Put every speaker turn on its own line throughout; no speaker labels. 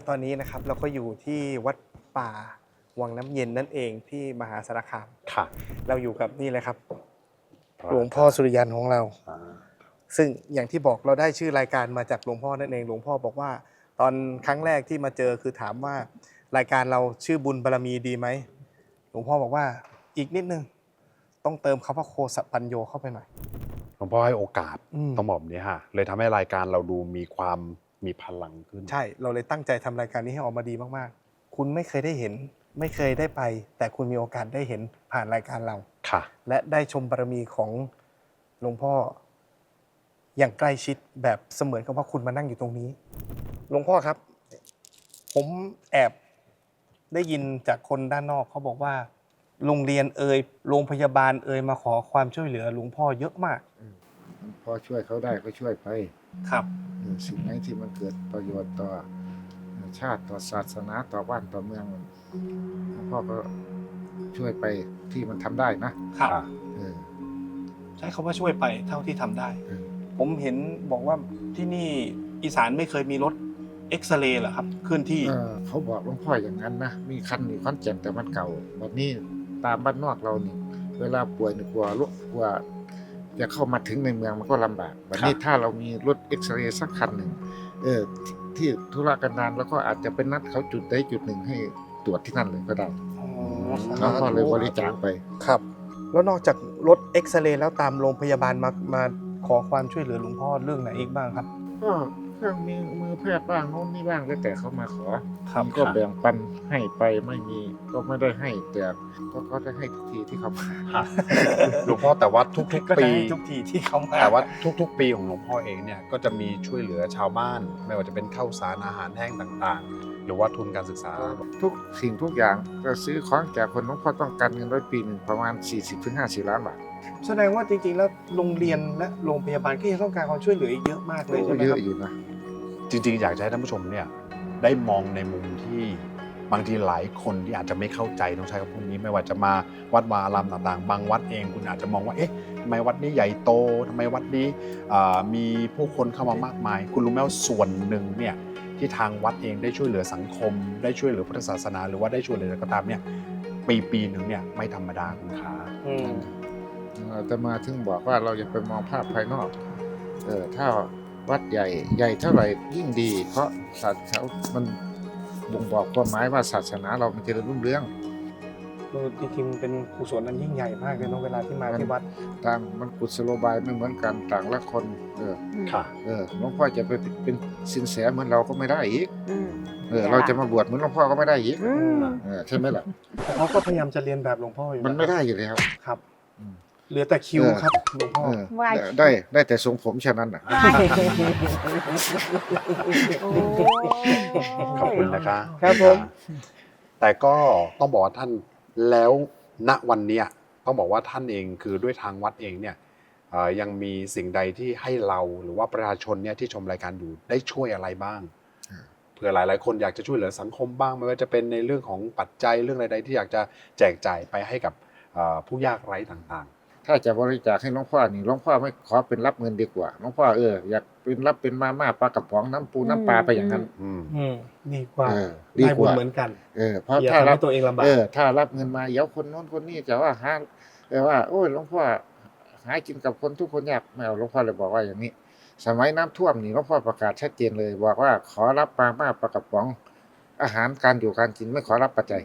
ตอนนี้นะครับเราก็อยู่ที่วัดป่าวังน้ำเย็นนั่นเองที่มหาสารคาม
ค่ะ
เราอยู่กับนี่เลยครับหลวงพ่อสุริยันของเรา ซึ่งอย่างที่บอกเราได้ชื่อรายการมาจากหลวงพ่อนั่นเองหลวงพ่อบอกว่า ตอนครั้งแรกที่มาเจอคือถามว่ารายการเราชื่อบุญบารมีดีไหมหลวงพ่อบอกว่าอีกนิดนึงต้องเติมคำว่าโคสปัญโยเข้าไปหน่อย
หลวงพ่อให้โอกาส
ต้
ต้
อ
อง งบอกแบบนี้ค่ะเลยทำให้รายการเราดูมีพลังขึ้น
ใช่เราเลยตั้งใจทำรายการนี้ให้ออกมาดีมากๆคุณไม่เคยได้เห็นไม่เคยได้ไป แต่คุณมีโอกาสได้เห็นผ่านรายการเรา
ค่ะ
และได้ชมบารมีของหลวงพ่ออย่างใกล้ชิดแบบเสมือนกับว่าคุณมานั่งอยู่ตรงนี้หลวงพ่อครับ ผมแอบได้ยินจากคนด้านนอกเขาบอกว่าโรงเรียนโรงพยาบาลมาขอความช่วยเหลือหลวงพ่อเยอะมาก
พอช่วยเขาได้ก็ช่วยไป
ครับ
สิ่งไหนที่มันเกิดประโยชน์ต่อชาติต่อศาสนาต่อบ้านต่อเมืองหลวงพ่อก็ช่วยไปที่มันทำได้นะครับ เออ
ใช้คำว่าช่วยไปเท่าที่ทำได้
เออ
ผมเห็นบอกว่าที่นี่อีสานไม่เคยมีรถเอ็กซเรย์เหรอครับเคลื่อนที่
เขาบอกหลวงพ่ออย่างนั้นนะมีคันอยู่ขอนแก่นแต่มันเก่าแบบนี้ตามบ้านนอกเรานี่เวลาป่วยนี่กลัวจะเข้ามาถึงในเมืองมันก็ลำบากแบบนี้ถ้าเรามีรถเอ็กซเรย์สักคันหนึ่งที่ธุระกันดารแล้วก็อาจจะเป็นนัดเขาจุดใดจุดหนึ่งให้ตรวจที่นั่นเลยก็ได้หลวงพ่อเลยบริจาคไป
ครับ แล้วนอกจากรถเอ็กซเรย์แล้วตามโรงพยาบาลมาขอความช่วยเหลือหลวงพ่อเรื่องไหนอีกบ้างครับ
ก็เครื่องมือแพทย์บ้างโน่นนี่บ้างแล้วแต่เขามาขอ
ครับ
มีก็แบ่งปันให้ไปไม่มีก็ไม่ได้ให้แต่ก็เขาจะให้ทุกทีที่เขามา
ค่ะ หลวงพ่อแต่ว่าทุก
ก็
ๆ ปี
จะให้ทุกทีที่เขามา
แต่ว่าทุกๆ ปีของหลวงพ่อเองเนี่ยก็จะมีช่วยเหลือชาวบ้าน ไม่ว่าจะเป็นข้าวสารอาหารแห้งต่างๆ หรือว่าทุนการศึกษา
ทุกสิ่งทุกอย่างก็ซื้อของแจกคนหลวงพ่อต้องการเงินปีหนึ่งประมาณ 40-50 ล้านบาท
แสดงว่าจริงๆแล้วโรงเรียนและโรงพยาบาลก็ยังต้องการความช่วยเหลืออีกเยอะมากเลยใช่ไหม
เย
ครั
อะ
บ
อยู่นะ
จริงๆ อยากจะให้ท่านผู้ชมเนี่ยได้มองในมุมที่บางทีหลายคนที่อาจจะไม่เข้าใจต้องใช้คำพูดนี้ไม่ว่าจะมาวัดวาอารามต่างๆ บางวัดเองคุณอาจจะมองว่าเอ๊ะทำไมวัดนี้ใหญ่โตทำไมวัดนี้มีผู้คนเข้ามามากมาย คุณรู้ไหมว่าส่วนหนึ่งเนี่ยที่ทางวัดเองได้ช่วยเหลือสังคม ได้ช่วยเหลือพุทธศาสนาหรือว่าได้ช่วยเหลืออะไรก็ตามเนี่ยปีหนึ่งเนี่ยไม่ธรรมดาคุณขา
แต่มาถึงบอกว่าเราอย่าไปมองภาพภายนอกถ้าวัดใหญ่เท่าไหร่ยิ่งดี เพราะศาสนามันบ่งบอกความหมายว่าศาสนาเรามันจะรุ่งเรือง
จริงๆเป็นกุศลอันยิ่งใหญ่มากเลยเนาะเวลาที่มาที่วัด
ต่างมันกุศโลบายไม่เหมือนกันต่างละคน
ค่ะ
หลวงพ่อจะไปเป็นสินแสเหมือนเราก็ไม่ได้อีกเราจะมาบวชเหมือนหลวงพ่อก็ไม่ได้อีกใช่ไหมล่ะ
แต่เขาก็พยายามจะเรียนแบบหลวงพ่ออยู่
มันไม่ได้อยู่แล้ว
ครับเหลือแต่คิวครับหลวงพ่อ
ได้แต่ทรงผมแค่นั้นน่ะ
ขอบคุณนะคะ
ครับผม
แต่ก็ต้องบอกว่าท่านแล้วณวันเนี้ยต้องบอกว่าท่านเองคือด้วยทางวัดเองเนี่ยยังมีสิ่งใดที่ให้เราหรือว่าประชาชนเนี่ยที่ชมรายการอยู่ได้ช่วยอะไรบ้างเผื่อหลายๆคนอยากจะช่วยเหลือสังคมบ้างไม่ว่าจะเป็นในเรื่องของปัจจัยเรื่องใดๆที่อยากจะแจกจ่ายไปให้กับผู้ยากไร้ต่างๆ
ถ้าจะบริจาคให้หลวงพ่อนี่หลวงพ่อไม่ขอเป็นรับเงินดีกว่าหลวงพ่ออยากเป็นรับเป็นมาม่าปลากระป๋องน้ำปูน้ำปลาไปอย่างนั้น
ดีกว่า
ดี
ได้
ก
บุญ
ว่า
เหมือนกัน
เพราะ
อย่า
ถ้า
ทำ
รั
ให้ตัวเองลำบาก
ถ้ารับเงินมาเดี๋ยวคนโน้นคนนี้จะว่าว่าโอ้ยหลวงพ่อหากินกับคนทุกคนยากไม่เอาหลวงพ่อเลยบอกว่าอย่างนี้ สมัยน้ำท่วมนี่หลวงพ่อประกาศชัดเจนเลยบอกว่าขอรับมาม่าปลากระป๋องอาหารการอยู่การกินไม่ขอรับปัจจัย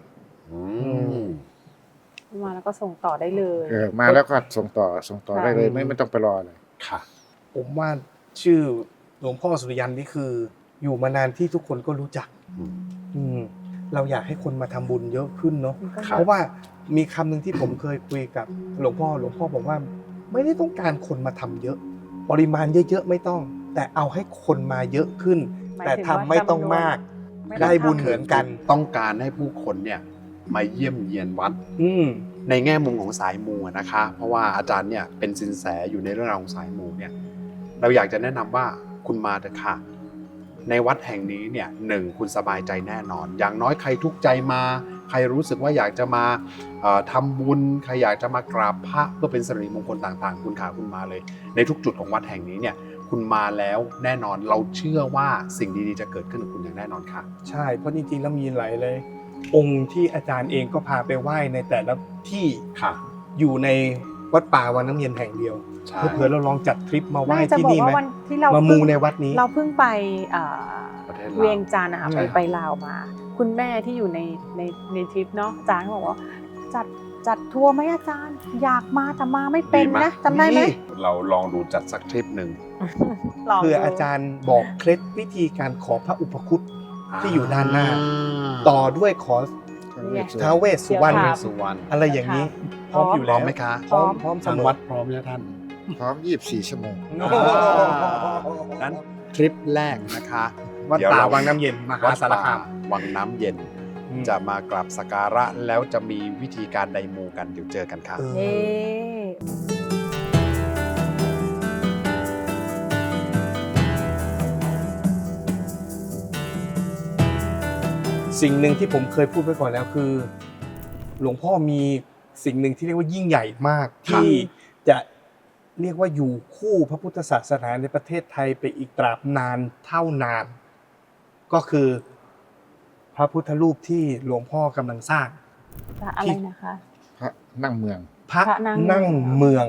มาแล้วก็ส่งต่อได้เลย
มาแล้วก็ส่งต่อได้เลยไม่ต้องไปรอเลย
ค่ะ
ผมว่าชื่อหลวงพ่อสุริยันนี่คืออยู่มานานที่ทุกคนก็รู้จักเราอยากให้คนมาทำบุญเยอะขึ้นเนาะ
ครับ
เพราะว่ามีคำหนึ่งที่ผมเคยคุยกับหลวงพ่อบอกว่าไม่ได้ต้องการคนมาทำเยอะ ปริมาณเยอะๆไม่ต้อง แต่เอาให้คนมาเยอะขึ้น แต่ทำไม่ต้องมาก ได้บุญเหมือนกัน
ต้องการให้ผู้คนเนี่ยมาเยี่ยมเยียนวัดในแง่มุมของสายมูนะคะ เพราะว่าอาจารย์เนี่ยเป็นสินแสอยู่ในเรื่องราวของสายมูเนี่ยเราอยากจะแนะนำว่าคุณมาเถอะค่ะในวัดแห่งนี้เนี่ยคุณสบายใจแน่นอน อย่างน้อยใครทุกข์ใจมาใครรู้สึกว่าอยากจะมาทำบุญใครอยากจะมากราบพระเพื่อเป็นสิริมงคลต่างๆคุณขาคุณมาเลยในทุกจุดของวัดแห่งนี้เนี่ยคุณมาแล้วแน่นอนเราเชื่อว่าสิ่งดีๆจะเกิดขึ้นกับคุณอย่างแน่นอนค่ะ
ใช่เพราะจริงๆแล้วมีหลายเลยองค์ที่อาจารย์เองก็พาไปไหว้ในแต่ละที่
ค่ะ
อยู่ในวัดป่าวังน้ำเย็นแห่งเดียว
ใช่
เผื่อๆเราลองจัดทริปมาไหว้
ไม่จะ
ที่
บอก
นี่ไหม
ว่าวันที่เรา
มามูในวัดนี้
เราเพิ่งไป
ประเทศลาว
เวียงจันทร์นะคะ
ใช่
ไปลาวมา คุณแม่ที่อยู่ในทริปเนาะอาจารย์เขาบอกว่าจัดทัวร์ไหมอาจารย์ อยากมาแต่มาไม่เป็นนะจำได้ไหม
เราลองดูจัดสักทริปหนึ่ง
ลงดู
เพื่ออาจารย์บอกเคล็ดวิธีการขอพระอุปคุตที่อยู่ด้านหน้า ต่อด้วยขอ
เนี่ย
ท้าวเวสสุวรรณ
เดี๋ยวถาม
สุวรรณ
อะไรอย่างนี้ พร้อมอยู่
พร้
แล้
อ
ว
มไหมคะ
พร้อมพร้อมเส
ทาง
มอ
วัดพร้อมแล้วท่าน
พร้อม24 ชั่วโมง
นั้นทริปแรกนะคะ
วัด
เดี๋ยว
ป่า
เรา
วังน้ำเย็นมหา
วัด
สาร
ป่า
คาม
วังน้ำเย็น
อืม
จะมากราบสักการะแล้วจะมีวิธีการใดมูกันเดี๋ยวเจอกันค่ะ
เออ
เย้
สิ่งหนึ่งที่ผมเคยพูดไว้ก่อนแล้วคือ หลวงพ่อมีสิ่งหนึ่งที่เรียกว่ายิ่งใหญ่มาก
ครับ
ที่จะเรียกว่าอยู่คู่พระพุทธศาสนาในประเทศไทยไปอีกตราบนานเท่านาน ก็คือพระพุทธรูปที่หลวงพ่อกำลังสร้าง
อะไรนะคะ
พระนั่งเมือง
พระ
พระนั่
นั่ง
ง
เมือง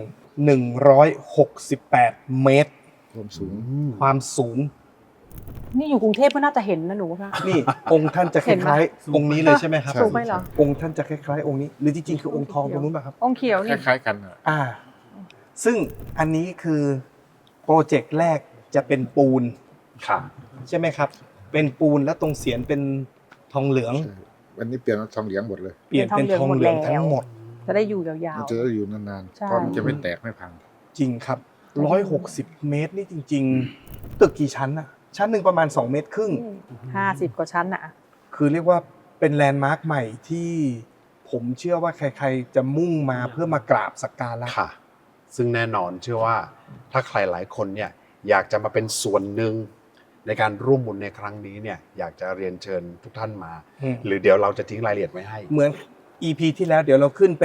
168 เมตร
ความสูง
ความสูง
นี่อยู่กรุงเทพก็น่าจะเห็นนะหนูว่า
นี่องค์ท่านจะค
เห็นไหม
ล้ายๆองค์นี้เลยใช่ไหมครับ
สูงไปเหรอ
องค์ท่านจะคล้ายๆองค์นี้ หรือจริงๆคือองค์ทองตรงนู้นป่ะครับ
องค์เขียว
ค
นี่
ล้ายๆกันอะ
ซึ่งอันนี้คือโปรเจกต์แรกจะเป็นปูน
ค่ะ
ใช่ไหมครับ เป็นปูนแล้วตรงเสียนเป็นทองเหลือง
ใช่วันนี้เปลี่ยนเป็นทองเหลืองหมดเลย
เปลี่ยนเป็นทองเหลืองทั้งหมด
จะได้อยู่ยาว
มันจะได้อยู่นาน
ใช่
ๆเพราะมันจะไม่แตกไม่พัง
จริงครับ 160 เมตรนี่จริง ๆ ตึกกี่ชั้นอะชั้นหนึ่งประมาณ 2 เมตรครึ่ง
ๆ50 กว่าชั้นน่ะ
คือเรียกว่าเป็นแลนด์มาร์คใหม่ที่ผมเชื่อว่าใครๆจะมุ่งมาเพื่อมากราบสักการะ
ค่ะ ซึ่งแน่นอนเชื่อว่าถ้าใครหลายคนเนี่ยอยากจะมาเป็นส่วนหนึ่งในการร่วมบุญในครั้งนี้เนี่ยอยากจะเรียนเชิญทุกท่านมา
อืม
หรือเดี๋ยวเราจะทิ้งรายละเอียดไว้ให้
เหมือน EP ที่แล้วเดี๋ยวเราขึ้นเป็น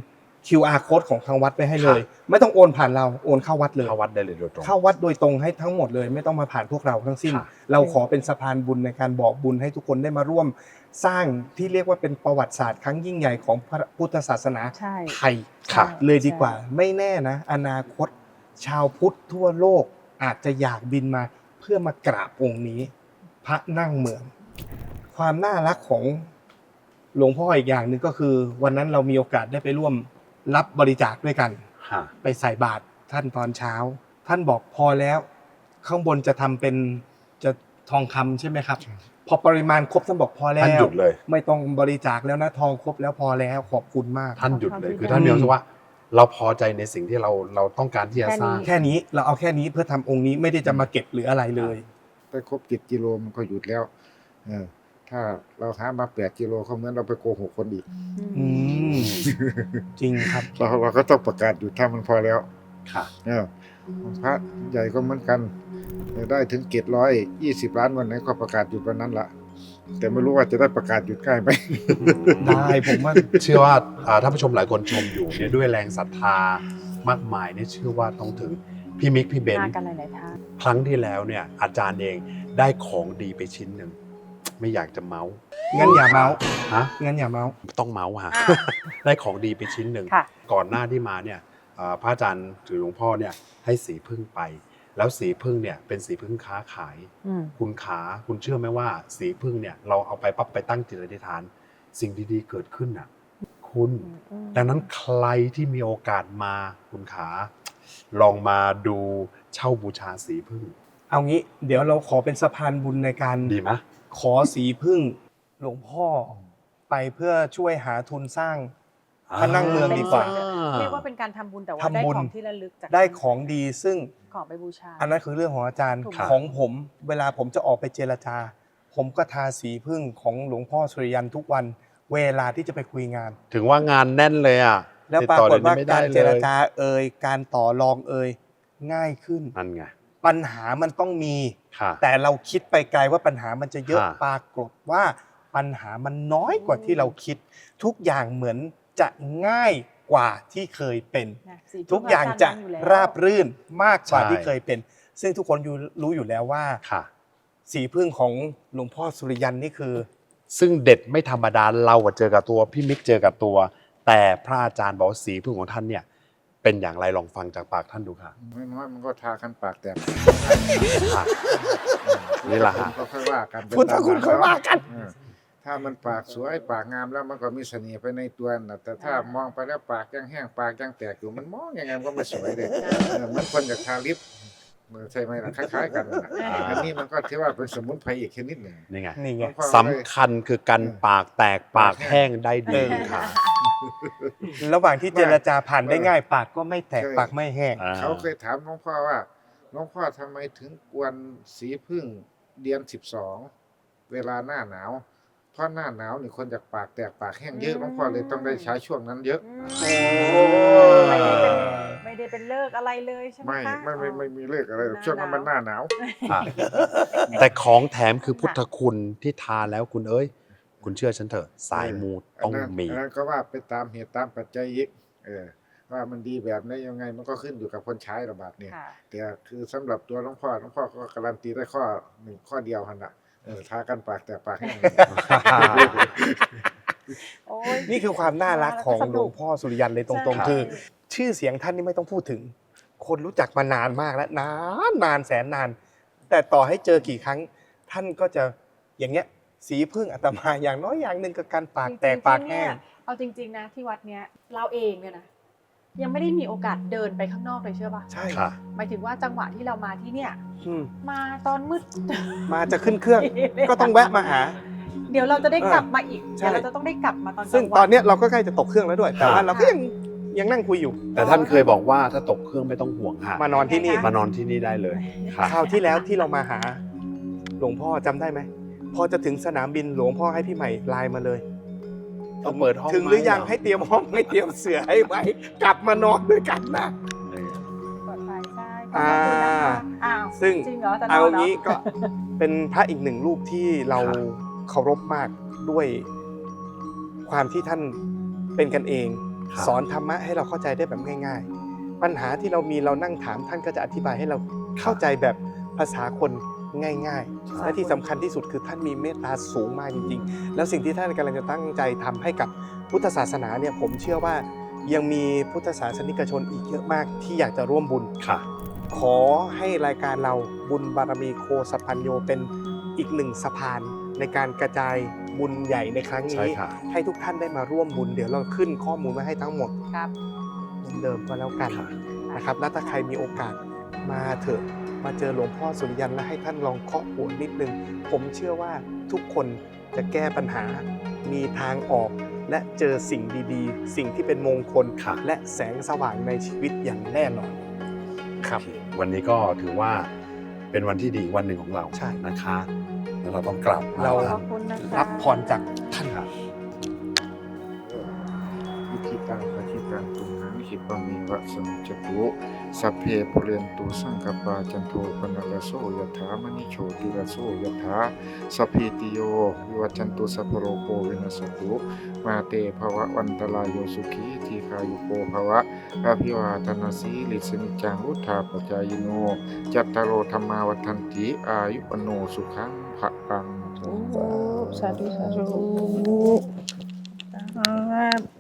QR code ของทางวัดไปให้เลย
ค่ะ
ไม่ต้องโอนผ่านเราโอนเข้าวัดเลย
เข้าวัดได้เลยโดยตรง
เข้าวัดโดยตรงให้ทั้งหมดเลย ไม่ต้องมาผ่านพวกเราทั้งสิ้น
ค่ะ
เราขอเป็นสะพานบุญในการบอกบุญให้ทุกคนได้มาร่วม สร้างที่เรียกว่าเป็นประวัติศาสตร์ครั้งยิ่งใหญ่ของพระพุทธศาสนา
ใช่
ไทย
ค่ะ
เลยดีกว่า ไม่แน่นะ อนาคต ชาวพุทธทั่วโลกอาจจะอยากบินมาเพื่อมากราบองค์นี้ พระนั่งเมือง ความน่ารักของหลวงพ่ออีกอย่างหนึ่งก็คือ วันนั้นเรามีโอกาสได้ไปร่วมรับบริจาคด้วยกัน
ค่ะ
ไปใส่บาตรท่านตอนเช้า ท่านบอกพอแล้ว ข้างบนจะทำเป็นจะทองคำใช่ไหมครับ พอปริมาณครบท่านบอกพอแล้ว
ท่านหยุดเลย
ไม่ต้องบริจาคแล้วนะทองครบแล้วพอแล้วขอบคุณมาก
ท่านหยุดเลย
ขอบคุณ
คือท่านมีความรู้สึกว่า เราพอใจในสิ่งที่เราต้องการที่จะสร้าง
แค่นี้เราเอาแค่นี้เพื่อทำองค์นี้ไม่ได้จะมาเก็บหรืออะไรเลย
ไปครบ7 กิโลมันก็หยุดแล้วถ้าเราหามา8 กิโลเขาเหมือนเราไปโกหกคนอีก
อืมจริงครับ
เราก็ต้องประกาศหยุดถ้ามันพอแล้ว
ค่ะ
พระใหญ่ก็เหมือนกันได้ถึงเกต120 ล้านวันไหนก็ประกาศหยุดวันนั้นละแต่ไม่รู้ว่าจะได้ประกาศหยุดใกล้ไหม
ได้ผมว่า
เชื่อว่าท่านผู้ชมหลายคนชมอยู่เนี่ยด้วยแรงศรัทธามากมายเนี่ยเชื่อว่าต้องถึงพี่มิกพี่เบน
มากันหลายๆท่าน
ครั้งที่แล้วเนี่ยอาจารย์เองได้ของดีไปชิ้นหนึ่งไม่อยากจะเมาส์
งั้นอย่าเมาส์
ฮะ
งั้นอย่าเมาส์
ต้องเมาส์ฮะ
อ่า
ได้ของดีไปชิ้นหนึ่ง
ค่ะ
ก่อนหน้าที่มาเนี่ยพระอาจารย์หรือหลวงพ่อเนี่ยให้สีพึ่งไป แล้วสีพึ่งเนี่ยเป็นสีพึ่งค้าขาย
อืม
คุณเชื่อไหมว่าสีพึ่งเนี่ยเราเอาไปปั๊บไปตั้งจิตอธิษฐาน สิ่งดีๆเกิดขึ้นน่ะคุณ ดังนั้นใครที่มีโอกาสมาคุณขาลองมาดูเช่าบูชาสีพึ่ง
เอางี้เดี๋ยวเราขอเป็นสะพานบุญในการ
ดีไหม
ขอสีพึ่งหลวงพ่อไปเพื่อช่วยหาทุนสร้าง พระนั่งเมืองดีกว่า
เรียกว่าเป็นการทำบุญแต่ว่า
ทำ
ได้
บุญ
ของที่ระลึกจาก
ได้ของดีซึ่ง
ของไปบูชา
อันนั้นคือเรื่องของอาจารย์
ถูกต้อง
ของผมเวลาผมจะออกไปเจรจา ผมก็ทาสีพึ่งของหลวงพ่อสุริยันทุกวัน เวลาที่จะไปคุยงาน
ถึงว่างานแน่นเลยอ่ะ
แล้วปรากฏว่า
ติดต่อ
การ
เดี๋ยวนี้ไม่ได้
เจรจาการต่อรองง่ายขึ้น
นั่นไง
ปัญหามันต้องมี
ค่ะ
แต่เราคิดไปไกลว่าปัญหามันจะเยอะ
ค่ะ
ปรากฏว่าปัญหามันน้อยกว่าที่เราคิด ทุกอย่างเหมือนจะง่ายกว่าที่เคยเป็น
นะสีพึ่
ทุกอย่างจะ
จรย์อยู่แล้ว
ราบรื่นมากกว่าที่เคยเป็นซึ่งทุกคนรู้อยู่แล้วว่า
ค่ะ
สีพึ่งของหลวงพ่อสุริยันนี่คือ
ซึ่งเด็ดไม่ธรรมดาเราอะเจอกับตัวพี่มิกเจอกับตัว แต่พระอาจารย์บอกว่าสีพึ่งของท่านเนี่ยเป็นอย่างไรลองฟังจากปากท่านดูค่ะ
น้อยๆมันก็ทากันปากแตก
ค่ะ นี่แหละฮะ
ก็ค่อยว่ากัน
พุทธคุณค่อยว่ากัน
เออถ้ามันปากสวยปากงามแล้วมันก็มีเสน่ห์ไปในตัวนะแต่ถ้ามองไปแล้วปากยังแห้งปากยังแตกอยู่มันมองยังไงมันก็ไม่สวยเลยเหมือนคนอยากทาลิปใช่ไหมล่ะคล้ายๆกันน่ะอันนี้มันก็ถือว่าเป็นสมุนไพรอีกชนิดหนึ่ง
นี่ไง
นี่ไง
สำคัญคือกันปากแตกปากแห้งได้ดีค่ะ
ระหว่างที่เจรจาผ่านได้ง่ายปากก็ไม่แตกปากไม่แห้ง
อ่า
เขาเคยถามหลวงพ่อว่าหลวงพ่อทำไมถึงกวนสีพึ่งเดือน12เวลาหน้าหนาวเพราะหน้าหนาวนี่คนจากปากแตกปากแห้งเยอะหลวงพ่อเลยต้องได้ใช้ช่วงนั้นเยอะ
ไม่ได้เป็นเลิกอะไรเลยใช่ไหม
ไม่
คะ
ไม่มีเลขอะไรหรอกช่วงนั้นมันหน้าหนาว
ค่ะแต่ของแถมคือพุทธคุณที่ทานแล้วคุณเอ้ย คุณเชื่อฉันเถอะ สายมูต้องมี
อันนั้นก็ว่าไปตามเหตุตามปัจจัยอีกว่ามันดีแบบไหนยังไงมันก็ขึ้นอยู่กับคนใช้ระบาดเนี่ย
ค่ะ
แต่คือสำหรับตัวหลวงพ่อก็การันตีได้ข้อหนึ่งข้อเดียวหันละทากันปากแต่ปากแห้ง
โอ้ย
นี่คือความน่ารักของหลวงพ่อสุริยันเลยตรง
ใช่
ๆ คือ ชื่อเสียงท่านนี่ไม่ต้องพูดถึง คนรู้จักมานานมากแล้วนานแสนนาน แต่ต่อให้เจอกี่ครั้ง ท่านก็จะอย่างเงี้ย สีพึ่งอาตมาอย่างน้อยอย่างหนึ่งกับการปากแตกปากแห้ง
เอาจริงๆนะที่วัดเนี้ยเราเองเนี่ยนะยังไม่ได้มีโอกาสเดินไปข้างนอกเลยเชื่อป่ะ
ใช่
ค่ะ
หมายถึงว่าจังหวะที่เรามาที่เนี่ย
อืม
มาตอนมืด
มาจะขึ้นเครื่อง ก็ต้องแวะมาหา
เดี๋ยวเราจะได้กลับมาอีก
ใช่
เดี๋ยวเราจะต้องได้กลับมาตอนกลางวัน
ซึ่งตอนเนี้ยเราก็ใกล้จะตกเครื่องแล้วด้วย แต่ว่าเราก็ยังนั่งคุยอยู่
แต่ท่านเคยบอกว่าถ้าตกเครื่องไม่ต้องห่วงค่ะ
มานอนที่นี่
มานอนที่นี่ได้เลยค่ะ
คราวที่แล้วที่เรามาหา หลวงพ่อจำได้ไหมพอจะถึงสนามบินหลวงพ่อให้พี่ใหม่ไลน์มาเลย
ต้องเปิดห้อง
ถึงหรือยัง
ไหม
ให้เตรียมห้องให้เตรียมเสือให้ไหมกลับมานอนด้วยกันนะ
ปลอดภัยใช่
อ่า
ขอบคุณนะคะอ้าว
ซึ่ง
จริงเหรอจะน
เอา
อนเหรอ
งี้ก็เป็นพระอีกหนึ่งรูปที่เรา
ครับ
เคารพมากด้วยความที่ท่านเป็นกันเอง
ครับ
สอนธรรมะให้เราเข้าใจได้แบบง่าย ๆ ปัญหาที่เรามีเรานั่งถามท่านก็จะอธิบายให้เราเข้าใจแบบภาษาคนง่ายๆ และที่สำคัญที่สุดคือท่านมีเมตตาสูงมากจริงๆ แล้วสิ่งที่ท่านกำลังจะตั้งใจทำให้กับพุทธศาสนาเนี่ยผมเชื่อว่ายังมีพุทธศาสนิกชนอีกเยอะมากที่อยากจะร่วมบุญ
ค่ะ
ขอให้รายการเราบุญบารมีโคสัพพัญโยเป็นอีกหนึ่งสะพานในการกระจายบุญใหญ่ในครั้ง
ใช่
นี้
ค่ะ
ให้ทุกท่านได้มาร่วมบุญเดี๋ยวเราขึ้นข้อมูลไว้ให้ทั้งหมด
ครับ
เหมือนเดิมก็แล้วกันนะครับแล้วถ้าใครมีโอกาสมาเถอะมาเจอหลวงพ่อสุริยันและให้ท่านลองเคาะหัวนิดนึงผมเชื่อว่าทุกคนจะแก้ปัญหามีทางออก และเจอสิ่งดีๆ สิ่งที่เป็นมงคล
ค่ะ
และแสงสว่างในชีวิตอย่างแน่นอนครับ
โอเควันนี้ก็ถือว่าเป็นวันที่ดีวันหนึ่งของเรา
ใช่
นะคะแล้วเราต้องกลับ
เรา
ขอบคุณนะคะ
รับพรจากท่าน
ครับ
วิธีการปฏิการตุมหังหิปะเมีวะสมิจจตุสัพเพปุเรนตุสังกปาจันโทปนรสโสยถามณิโชติรสโสยถาสัพพิติโยวิวัจจันตุสัพพโรโควินัสตุมาเตภวะวันตรายโยสุขีทีคายุโกภวะอภิวาทนาสีลิสนิจังวุธาปจายโนจัตตารโอธรรมาวัฏันติอายุปโนสุขังภะปัง
สาธุสาธุ